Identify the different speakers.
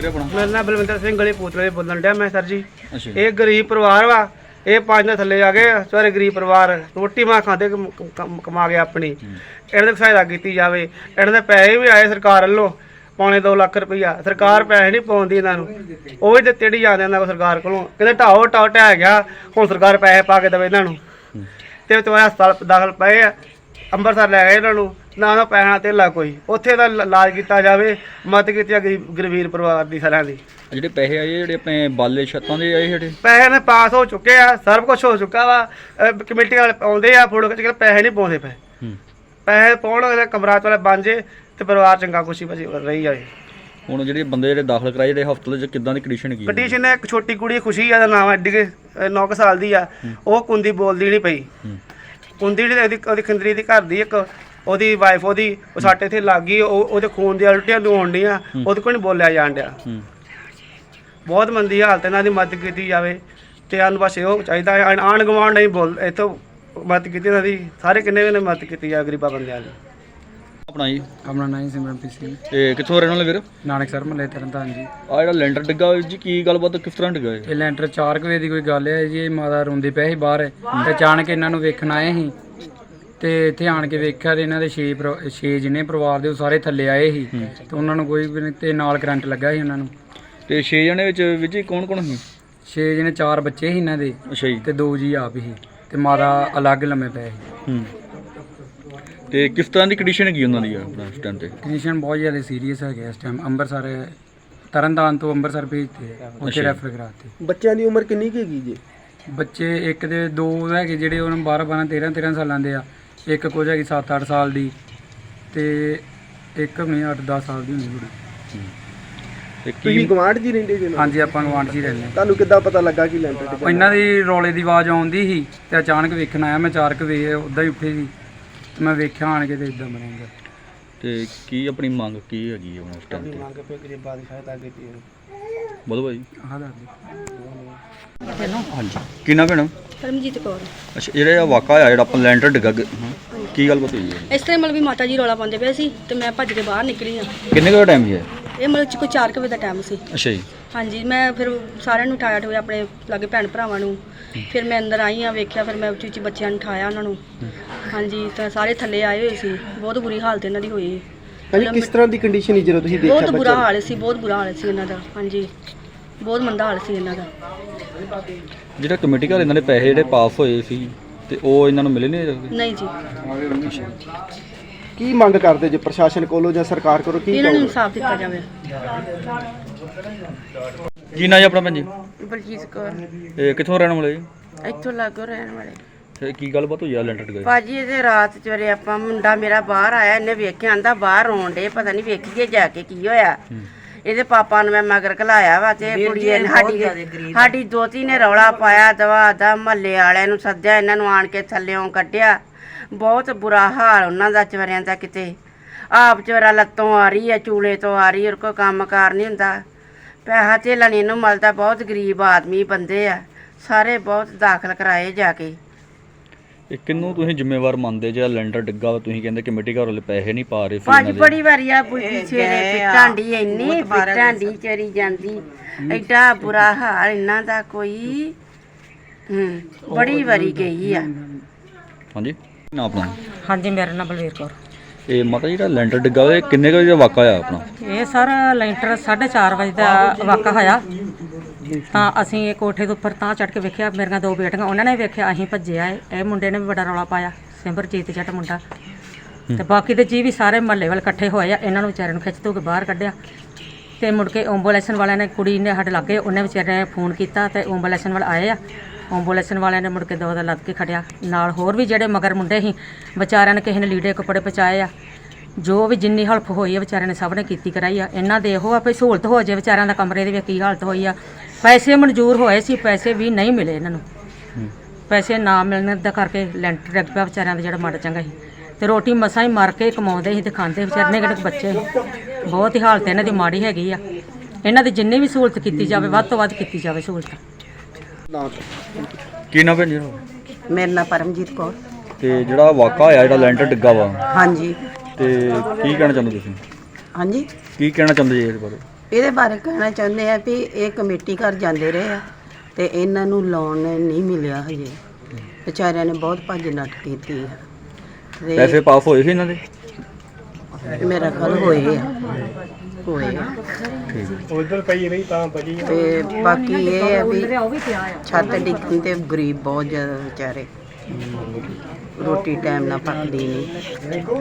Speaker 1: ਆਪਣਾ?
Speaker 2: ਮੇਰਾ ਨਾਮ ਬਲਵਿੰਦਰ ਸਿੰਘ ਗਲੀ ਪੂਤਲੇ ਬੋਲਣ ਡਿਆ ਮੈਂ ਸਰ ਜੀ।
Speaker 1: ਅੱਛਾ
Speaker 2: ਇਹ ਗਰੀਬ ਪਰਿਵਾਰ ਵਾ, ਇਹ 5 ਦਿਨ ਥੱਲੇ ਆ ਗਏ ਸਾਰੇ ਗਰੀਬ ਪਰਿਵਾਰ ਰੋਟੀ ਮਾਂ ਖਾਂਦੇ ਕਮਾ ਕੇ ਆਪਣੀ। ਇਹਨਾਂ ਦੀ ਸਹਾਇਤਾ ਕੀਤੀ ਜਾਵੇ। ਇਹਨਾਂ ਦੇ ਪੈਸੇ ਵੀ ਆਏ ਸਰਕਾਰ ਵੱਲੋਂ ਪੌਣੇ 2 ਲੱਖ ਰੁਪਈਆ, ਸਰਕਾਰ ਪੈਸੇ ਨਹੀਂ ਪਾਉਂਦੀ ਇਹਨਾਂ ਨੂੰ, ਉਹ ਵੀ ਦਿੱਤੇ ਨਹੀਂ ਜਾਂਦੇ ਇਹਨਾਂ ਕੋਲ ਸਰਕਾਰ ਕੋਲੋਂ। ਕਹਿੰਦੇ ਢਾਓ ਢਹਿ ਗਿਆ, ਹੁਣ ਸਰਕਾਰ ਪੈਸੇ ਪਾ ਕੇ ਦੇਵੇ ਇਹਨਾਂ ਨੂੰ। ਤੇ ਤੁਹਾਡਾ ਹਸਪਤਾਲ ਦਾਖਲ ਪਏ ਆ, ਅੰਮ੍ਰਿਤਸਰ ਲੈ ਗਏ ਇਹਨਾਂ ਨੂੰ, ਨਾ ਉਹਨਾਂ ਪੈਸਾ ਧੇਲਾ ਕੋਈ, ਉੱਥੇ ਦਾ ਇਲਾਜ ਕੀਤਾ ਜਾਵੇ। ਮਦਦ ਕੀਤੀ ਆ ਗਰੀਬ ਪਰਿਵਾਰ ਦੀ ਸਾਰਿਆਂ ਦੀ।
Speaker 1: ਜਿਹੜੇ ਪੈਸੇ ਆਏ ਜਿਹੜੇ ਆਪਣੇ ਬਾਲੇ ਛੱਤਾਂ ਦੇ ਆਏ ਜਿਹੜੇ
Speaker 2: ਪੈਸੇ ਨੇ ਪਾਸ ਹੋ ਚੁੱਕੇ ਆ, ਸਭ ਕੁਝ ਹੋ ਚੁੱਕਾ ਵਾ। ਕਮੇਟੀ ਵਾਲੇ ਆਉਂਦੇ ਆ ਫੋਟੋ ਖਿੱਚ ਕੇ, ਪੈਸੇ ਨਹੀਂ ਪਾਉਂਦੇ ਪਏ। ਪੈਸੇ ਪਾਉਣ ਕਮਰਾਤ ਵਾਲੇ ਬਣ ਜੇ ਤੇ ਪਰਿਵਾਰ ਚੰਗਾ ਖੁਸ਼ੀ ਬਸੀ ਰਹੀ ਜਾਵੇ।
Speaker 1: ਹੁਣ ਜਿਹੜੇ ਬੰਦੇ ਜਿਹੜੇ ਦਾਖਲ ਕਰਾਏ ਜਿਹੜੇ ਹਸਪਤਾਲ 'ਚ ਕਿੱਦਾਂ ਦੀ ਕੰਡੀਸ਼ਨ ਕੀ?
Speaker 2: ਕੰਡੀਸ਼ਨ ਹੈ, ਇੱਕ ਛੋਟੀ ਕੁੜੀ ਖੁਸ਼ੀ ਆ ਦਾ ਨਾਮ, ਐਡੀ 9 ਸਾਲ ਦੀ ਆ, ਉਹ ਕੁੰਦੀ ਬੋਲਦੀ ਨਹੀਂ ਪਈ। ਕੁੰਦੀ ਜਿਹੜੀ ਉਹਦੀ ਖੰਦਰੀ ਦੀ ਘਰ ਦੀ ਇੱਕ ਉਹਦੀ ਵਾਈਫ ਉਹਦੀ ਉਹ ਸਾਡੇ ਇੱਥੇ ਲੱਗ ਗਈ, ਉਹਦੇ ਖੂਨ ਦੀਆਂ ਉਲਟੀਆਂ ਨੂੰ ਹੋਣ ਡੀਆਂ, ਉਹਦੇ ਕੋਲ ਨਹੀਂ ਬੋਲਿਆ ਜਾਣ ਡਿਆ। ਬਹੁਤ ਮੰਦੀ ਹਾਲਤ, ਇਹਨਾਂ ਦੀ ਮਦਦ ਕੀਤੀ ਜਾਵੇ। ਤੇ ਸਾਨੂੰ ਬਸ ਇਹੋ ਚਾਹੀਦਾ, ਆਂਢ ਗੁਆਂਢ ਨਹੀਂ ਬੋਲ ਇੱਥੋਂ ਮਦਦ ਕੀਤੀ ਇਹਨਾਂ ਦੀ, ਸਾਰੇ ਕਿੰਨੇ ਵੀ ਮਦਦ ਕੀਤੀ ਜਾਵੇ ਗਰੀਬਾਂ ਬੰਦਿਆਂ ਦੀ।
Speaker 1: ਆਪਣਾ ਜੀ?
Speaker 3: ਆਪਣਾ ਨਾਂ ਜੀ ਸਿਮਰਨਪ੍ਰੀਤ ਸਿੰਘ।
Speaker 1: ਇਹ ਕਿੱਥੋਂ ਰਹਿਣ ਵਾਲੇ ਵੀਰ?
Speaker 3: ਨਾਨਕ ਸਰ ਮਹੱਲੇ ਤਰਨਤਾਰਨ ਜੀ।
Speaker 1: ਆ ਜਿਹੜਾ ਲੈਂਟਰ ਡਿੱਗਾ ਜੀ, ਕੀ ਗੱਲਬਾਤ ਕਿਸ ਤਰ੍ਹਾਂ ਡਿੱਗਾ
Speaker 3: ਇਹ ਲੈਂਟਰ 4 ਵਜੇ ਦੀ ਕੋਈ ਗੱਲ ਹੈ ਜੀ। ਇਹ ਮਾਤਾ ਰੋਂਦੀ ਪਏ ਸੀ ਬਾਹਰ, ਤੇ ਅਚਾਨਕ ਇਹਨਾਂ ਨੂੰ ਵੇਖਣ ਆਏ ਸੀ, ਤੇ ਇੱਥੇ ਆਣ ਕੇ ਵੇਖਿਆ ਤੇ ਇਹਨਾਂ ਦੇ 6 ਜਿੰਨੇ ਪਰਿਵਾਰ ਦੇ ਉਹ ਸਾਰੇ ਥੱਲੇ ਆਏ ਸੀ, ਤੇ ਉਹਨਾਂ ਨੂੰ ਕੋਈ ਵੀ ਨਹੀਂ, ਤੇ ਨਾਲ ਕਰੰਟ ਲੱਗਾ ਸੀ ਉਹਨਾਂ ਨੂੰ।
Speaker 1: ਤੇ 6 ਜਣੇ ਵਿੱਚ ਜੀ ਕੌਣ ਕੌਣ ਸੀ?
Speaker 3: 6 ਜਣੇ, 4 ਬੱਚੇ ਸੀ ਇਹਨਾਂ ਦੇ।
Speaker 1: ਅੱਛਾ ਜੀ।
Speaker 3: ਤੇ 2 ਜੀ ਆਪ ਸੀ, ਤੇ ਮਾਤਾ ਅਲੱਗ ਲੰਮੇ ਪਏ ਸੀ।
Speaker 1: ਤੇ ਕਿਸ ਤਰ੍ਹਾਂ ਦੀ ਕੰਡੀਸ਼ਨ ਹੈਗੀ ਉਹਨਾਂ ਦੀ ਆਪਣਾ ਇਸ ਟਾਈਮ ਤੇ?
Speaker 3: ਕੰਡੀਸ਼ਨ ਬਹੁਤ ਜ਼ਿਆਦਾ ਸੀਰੀਅਸ ਹੈਗੇ ਇਸ ਟਾਈਮ। ਅੰਮ੍ਰਿਤਸਰ ਤਰਨਤਾਰਨ ਤੋਂ ਅੰਮ੍ਰਿਤਸਰ ਭੇਜਤੇ, ਉੱਥੇ ਰੈਫਰ ਕਰਾਤੇ।
Speaker 4: ਬੱਚਿਆਂ ਦੀ ਉਮਰ ਕਿੰਨੀ ਕੁ ਹੈਗੀ ਜੀ?
Speaker 3: ਬੱਚੇ ਇੱਕ ਦੇ 2 ਹੈਗੇ ਜਿਹੜੇ ਉਹਨਾਂ 12 13 ਸਾਲਾਂ ਦੇ ਆ, ਇੱਕ ਕੁਝ ਹੈਗੀ 7-8 ਸਾਲ ਦੀ, ਤੇ ਇੱਕ ਨਹੀਂ 8-10 ਸਾਲ ਦੀ ਹੁੰਦੀ ਕੁੜੀ।
Speaker 1: ਤੇ
Speaker 4: ਤੁਸੀਂ ਗਵਾਂਢ ਜੀ ਰਹਿੰਦੇ ਜੀ?
Speaker 3: ਹਾਂਜੀ, ਆਪਾਂ ਗਵਾਂਢ 'ਚ ਹੀ ਰਹਿੰਦੇ ਹਾਂ।
Speaker 4: ਤੁਹਾਨੂੰ ਕਿੱਦਾਂ ਪਤਾ ਲੱਗਾ ਕਿ ਲੈਂਟਰ ਡਿੱਗਾ?
Speaker 3: ਇਹਨਾਂ ਦੀ ਰੌਲੇ ਦੀ ਆਵਾਜ਼ ਆਉਂਦੀ ਸੀ, ਤੇ ਅਚਾਨਕ ਵੇਖਣ ਆਇਆ ਮੈਂ। 4 ਵਜੇ ਉੱਦਾਂ ਹੀ ਉੱਠੇ ਸੀ, ਤੇ ਮੈਂ ਵੇਖਿਆ ਆਣ ਕੇ ਤੇ ਇਦਾਂ ਬਣੇਗਾ।
Speaker 1: ਤੇ ਕੀ ਆਪਣੀ ਮੰਗ ਕੀ ਹੈਗੀ ਹੈ ਇਸ ਟਾਈਮ ਤੇ?
Speaker 2: ਮੰਗ ਪੇ ਗਰੀਬਾਂ ਦੀ ਸਹਾਇਤਾ ਕੀਤੀ ਹੈ।
Speaker 1: ਬੋਲੋ ਭਾਈ।
Speaker 3: ਆਹ ਦੱਸ ਦਿਓ।
Speaker 1: ਹਾਂਜੀ, ਕੀ ਨਾਮ ਭੈਣ?
Speaker 5: ਪਰਮਜੀਤ ਕੌਰ।
Speaker 1: ਅੱਛਾ, ਜਿਹੜਾ ਵਾਕਾ ਆ ਜਿਹੜਾ ਆਪਾਂ ਲੈਂਟਰ ਡਿੱਗਾ, ਕੀ ਗੱਲਬਾਤ ਹੋਈ ਹੈ?
Speaker 5: ਇਸ ਤਰ੍ਹਾਂ ਮਤਲਬ ਵੀ ਮਾਤਾ ਜੀ ਰੌਲਾ ਪਾਉਂਦੇ ਪਏ ਸੀ, ਤੇ ਮੈਂ ਭੱਜ ਕੇ ਬਾਹਰ ਨਿਕਲੀ ਆ।
Speaker 1: ਕਿੰਨੇ ਕੁ ਟਾਈਮ ਹੈ
Speaker 5: ਇਹ ਮਤਲਬ ਕੋਈ 4 ਵਜੇ ਦਾ ਟਾਈਮ ਸੀ।
Speaker 1: ਅੱਛਾ ਜੀ।
Speaker 5: ਹਾਂਜੀ, ਮੈਂ ਫਿਰ ਸਾਰਿਆਂ ਨੂੰ ਉਠਾਇਆ ਠੋਇਆ, ਆਪਣੇ ਲਾਗੇ ਭੈਣ ਭਰਾਵਾਂ ਨੂੰ। ਫਿਰ ਮੈਂ ਅੰਦਰ ਆਈ ਆ, ਵੇਖਿਆ, ਫਿਰ ਮੈਂ ਉੱਚੀ ਉੱਚੀ ਬੱਚਿਆਂ ਨੂੰ ਉਠਾਇਆ ਉਹਨਾਂ ਨੂੰ। ਹਾਂਜੀ, ਤਾਂ ਸਾਰੇ ਥੱਲੇ ਆਏ ਹੋਏ ਸੀ। ਬਹੁਤ ਬੁਰੀ ਹਾਲਤ ਇਹਨਾਂ ਦੀ ਹੋਈ।
Speaker 4: ਹਾਂਜੀ, ਕਿਸ ਤਰ੍ਹਾਂ ਦੀ ਕੰਡੀਸ਼ਨ ਸੀ ਜਦੋਂ ਤੁਸੀਂ ਦੇਖਿਆ?
Speaker 5: ਬਹੁਤ ਬੁਰਾ ਹਾਲ ਸੀ, ਬਹੁਤ ਬੁਰਾ ਹਾਲ ਸੀ ਇਹਨਾਂ ਦਾ। ਹਾਂਜੀ, ਬਹੁਤ ਮੰਦਾ ਹਾਲ ਸੀ ਇਹਨਾਂ ਦਾ।
Speaker 1: ਜਿਹੜਾ ਕਮੇਟੀ ਘਰ ਇਹਨਾਂ ਦੇ ਪੈਸੇ ਜਿਹੜੇ ਪਾਸ ਹੋਏ ਸੀ, ਤੇ ਉਹ ਇਹਨਾਂ ਨੂੰ ਮਿਲੇ
Speaker 5: ਨਹੀਂ ਜੀ।
Speaker 4: ਕੀ ਮੰਗ ਕਰਦੇ ਜੇ ਪ੍ਰਸ਼ਾਸਨ ਕੋਲੋਂ ਜਾਂ ਸਰਕਾਰ ਕੋਲੋਂ? ਕੀ
Speaker 5: ਇਹਨਾਂ ਨੂੰ ਇਨਸਾਫ ਦਿੱਤਾ ਜਾਵੇ।
Speaker 1: ਕੀ ਨਾਂ ਜੀ ਆਪਣਾ ਭੈਣ ਜੀ?
Speaker 6: ਬਲਜੀਤ ਕੌਰ।
Speaker 1: ਇਹ ਕਿੱਥੋਂ ਰਹਿਣ ਵਾਲੇ ਜੀ?
Speaker 6: ਇੱਥੋਂ ਲਾਗੋਂ ਰਹਿਣ ਵਾਲੇ।
Speaker 1: ਤੇ ਕੀ ਗੱਲਬਾਤ ਹੋਈ ਆ ਲੈਂਟਰ ਡਿੱਗਾ?
Speaker 6: ਭਾਜੀ ਇਹਦੇ ਰਾਤ ਚਵਰੇ ਆਪਾਂ ਮੁੰਡਾ ਮੇਰਾ ਬਾਹਰ ਆਇਆ, ਇਹਨੇ ਵੇਖਿਆ, ਆਂਦਾ ਬਾਹਰ ਰੋਣ ਡੇ, ਪਤਾ ਨਹੀਂ ਵੇਖੀਏ ਜਾ ਕੇ ਕੀ ਹੋਇਆ। ਇਹਦੇ ਪਾਪਾ ਨੂੰ ਮੈਂ ਮਗਰ ਘਲਾਇਆ ਵਾ, ਤੇ ਕੁੜੀ ਸਾਡੀ ਦੋਤੀ ਨੇ ਰੌਲਾ ਪਾਇਆ, ਦਵਾ ਦਾ ਮਹੱਲੇ ਵਾਲਿਆਂ ਨੂੰ ਸੱਦਿਆ, ਇਹਨਾਂ ਨੂੰ ਆਣ ਕੇ ਥੱਲਿਓਂ ਕੱਢਿਆ। ਬਹੁਤ ਬੁਰਾ ਹਾਲ ਉਹਨਾਂ ਦਾ ਚਵਰਿਆਂ ਦਾ। ਕਿਤੇ ਆਪ ਚਵਰਾ ਲੱਤੋਂ ਆ ਰਹੀ ਹੈ, ਚੂਲੇ ਤੋਂ ਆ ਰਹੀ, ਉਹ ਕੋਈ ਕੰਮ ਕਾਰ ਨਹੀਂ ਹੁੰਦਾ, ਪੈਸਾ ਧੇਲਾ ਨਹੀਂ ਇਹਨੂੰ ਮਿਲਦਾ। ਬਹੁਤ ਗਰੀਬ ਆਦਮੀ ਬੰਦੇ ਆ ਸਾਰੇ, ਬਹੁਤ ਦਾਖਲ ਕਰਾਏ ਜਾ ਕੇ।
Speaker 1: ਇਹ ਕਿੰਨੂੰ ਤੁਸੀਂ ਜ਼ਿੰਮੇਵਾਰ ਮੰਨਦੇ ਜਿਹੜਾ ਲੈਂਟਰ ਡਿੱਗਾ ਵਾ? ਤੁਸੀਂ ਕਹਿੰਦੇ ਕਮੇਟੀ ਘਰ ਵਾਲੇ ਪੈਸੇ ਨਹੀਂ ਪਾ ਰਹੇ।
Speaker 6: ਭਾਜੀ ਬੜੀ ਵਾਰੀ ਆ ਬੁੱਢੀ ਸਵੇਰੇ ਪਿੱਟਾਂਡੀ, ਇੰਨੀ ਪਿੱਟਾਂਡੀ ਚਰੀ ਜਾਂਦੀ, ਐਡਾ ਬੁਰਾ ਹਾਲ ਇਹਨਾਂ ਦਾ ਕੋਈ। ਬੜੀ ਵਾਰੀ ਗਈ ਆ।
Speaker 1: ਹਾਂਜੀ, ਨਾ ਆਪਣਾ?
Speaker 7: ਹਾਂਜੀ, ਮੇਰਾ ਨਾਮ ਬਲਵੀਰ ਕੌਰ।
Speaker 1: ਇਹ ਮਾਤਾ ਜਿਹੜਾ ਲੈਂਟਰ ਡਿੱਗਾ ਇਹ ਕਿੰਨੇ ਕੁ ਵਜੇ ਦਾ ਵਾਕਾ ਆ ਆਪਣਾ?
Speaker 7: ਇਹ ਸਰ ਲੈਂਟਰ 4:30 ਵਜੇ ਦਾ ਵਾਕਾ ਹੋਇਆ। ਤਾਂ ਅਸੀਂ ਇਹ ਕੋਠੇ ਦੇ ਉੱਪਰ ਤਾਂ ਚੜ੍ਹ ਕੇ ਵੇਖਿਆ, ਮੇਰੀਆਂ 2 ਬੇਟੀਆਂ ਉਹਨਾਂ ਨੇ ਵੇਖਿਆ, ਅਸੀਂ ਭੱਜਿਆ। ਇਹ ਮੁੰਡੇ ਨੇ ਵੀ ਬੜਾ ਰੌਲਾ ਪਾਇਆ, ਸਿਮਰਜੀਤ ਜੱਟ ਮੁੰਡਾ, ਤੇ ਬਾਕੀ ਦੇ ਜੀ ਵੀ ਸਾਰੇ ਮਹੱਲੇ ਵਾਲੇ ਇਕੱਠੇ ਹੋਏ ਆ। ਇਹਨਾਂ ਨੂੰ ਵਿਚਾਰਿਆਂ ਨੂੰ ਖਿੱਚ ਧੂ ਕੇ ਬਾਹਰ ਕੱਢਿਆ, ਤੇ ਮੁੜ ਕੇ ਐਂਬੂਲੈਂਸ ਵਾਲਿਆਂ ਨੇ, ਕੁੜੀ ਨੇ ਸਾਡੇ ਲਾਗੇ, ਉਹਨੇ ਵਿਚਾਰੇ ਨੇ ਫੋਨ ਕੀਤਾ, ਤੇ ਐਂਬੂਲੈਂਸ ਵਾਲੇ ਆਏ ਆ। ਐਂਬੂਲੈਂਸ ਵਾਲਿਆਂ ਨੇ ਮੁੜ ਕੇ ਦੋ ਦਾ ਲੱਦ ਕੇ ਖੜਿਆ। ਨਾਲ ਹੋਰ ਵੀ ਜਿਹੜੇ ਮਗਰ ਮੁੰਡੇ ਸੀ ਵਿਚਾਰਿਆਂ ਨੇ, ਕਿਸੇ ਨੇ ਲੀੜੇ ਕੱਪੜੇ ਪਹੁੰਚਾਏ ਆ। ਜੋ ਵੀ ਜਿੰਨੀ ਹੈਲਪ ਹੋਈ ਆ ਵਿਚਾਰਿਆਂ ਨੇ ਸਭ ਨੇ ਕੀਤੀ ਕਰਾਈ ਆ। ਇਹਨਾਂ ਦੇ ਇਹੋ ਆ ਵੀ ਸਹੂਲਤ ਹੋ ਜਾਏ ਵਿਚਾਰਿਆਂ ਦਾ। ਕਮਰੇ ਦੀ ਵੀ ਕੀ ਹਾਲਤ ਹੋਈ ਆ। ਪੈਸੇ ਮਨਜ਼ੂਰ ਹੋਏ ਸੀ, ਪੈਸੇ ਵੀ ਨਹੀਂ ਮਿਲੇ ਇਹਨਾਂ ਨੂੰ। ਪੈਸੇ ਨਾ ਮਿਲਣ ਦਾ ਕਰਕੇ ਲੈਂਟਰ ਡਿੱਗ ਪਿਆ ਵਿਚਾਰਿਆਂ ਦਾ ਜਿਹੜਾ ਮਾੜਾ ਚੰਗਾ ਸੀ। ਤੇ ਰੋਟੀ ਮਸਾਂ ਹੀ ਮਰ ਕੇ ਕਮਾਉਂਦੇ ਸੀ ਤੇ ਖਾਂਦੇ ਵਿਚਾਰੇ ਨੇ, ਕਿਹੜੇ ਬੱਚੇ ਬਹੁਤ ਹੀ ਹਾਲਤ ਇਹਨਾਂ ਦੀ ਮਾੜੀ ਹੈਗੀ ਆ। ਇਹਨਾਂ ਦੀ ਜਿੰਨੀ ਵੀ ਸਹੂਲਤ ਕੀਤੀ ਜਾਵੇ, ਵੱਧ ਤੋਂ ਵੱਧ ਕੀਤੀ ਜਾਵੇ ਸਹੂਲਤ।
Speaker 1: ਕੀ ਨਾਮ ਭੈਣ ਜੀ?
Speaker 8: ਮੇਰਾ ਨਾਮ ਪਰਮਜੀਤ ਕੌਰ।
Speaker 1: ਤੇ ਜਿਹੜਾ ਵਾਕਾ ਹੋਇਆ ਜਿਹੜਾ ਲੈਂਟਰ ਡਿੱਗਾ ਵਾ,
Speaker 8: ਹਾਂਜੀ।
Speaker 1: ਤੇ ਕੀ ਕਹਿਣਾ ਚਾਹੁੰਦੇ ਤੁਸੀਂ?
Speaker 8: ਹਾਂਜੀ,
Speaker 1: ਕੀ ਕਹਿਣਾ ਚਾਹੁੰਦੇ ਜੀ ਇਸ ਬਾਰੇ?
Speaker 8: ਇਹਦੇ ਬਾਰੇ ਕਹਿਣਾ ਚਾਹੁੰਦੇ ਆ ਵੀ ਇਹ ਕਮੇਟੀ ਘਰ ਜਾਂਦੇ ਰਹੇ ਆ ਤੇ ਇਹਨਾਂ ਨੂੰ ਲੋਨ ਨਹੀਂ ਮਿਲਿਆ ਹਜੇ। ਵਿਚਾਰਿਆਂ ਨੇ ਬਹੁਤ ਭੱਜ ਨੱਠ ਕੀਤੀ ਆ ਤੇ
Speaker 1: ਪੈਸੇ ਪਾਸ ਹੋਏ ਸੀ ਇਹਨਾਂ ਦੇ?
Speaker 8: ਮੇਰਾ ਖਿਆਲ ਹੋਏ ਆ
Speaker 2: ਉਧਰ ਪਈ ਰਹੀ ਤਾਂ ਬਜੀ।
Speaker 8: ਤੇ ਬਾਕੀ ਇਹ ਆ ਵੀ ਛੱਤ ਡਿੱਗਣ ਤੇ ਗਰੀਬ ਬਹੁਤ ਜ਼ਿਆਦਾ ਵਿਚਾਰੇ, ਰੋਟੀ ਟਾਈਮ ਨਾਲ ਪੱਕਦੀ ਨਹੀਂ।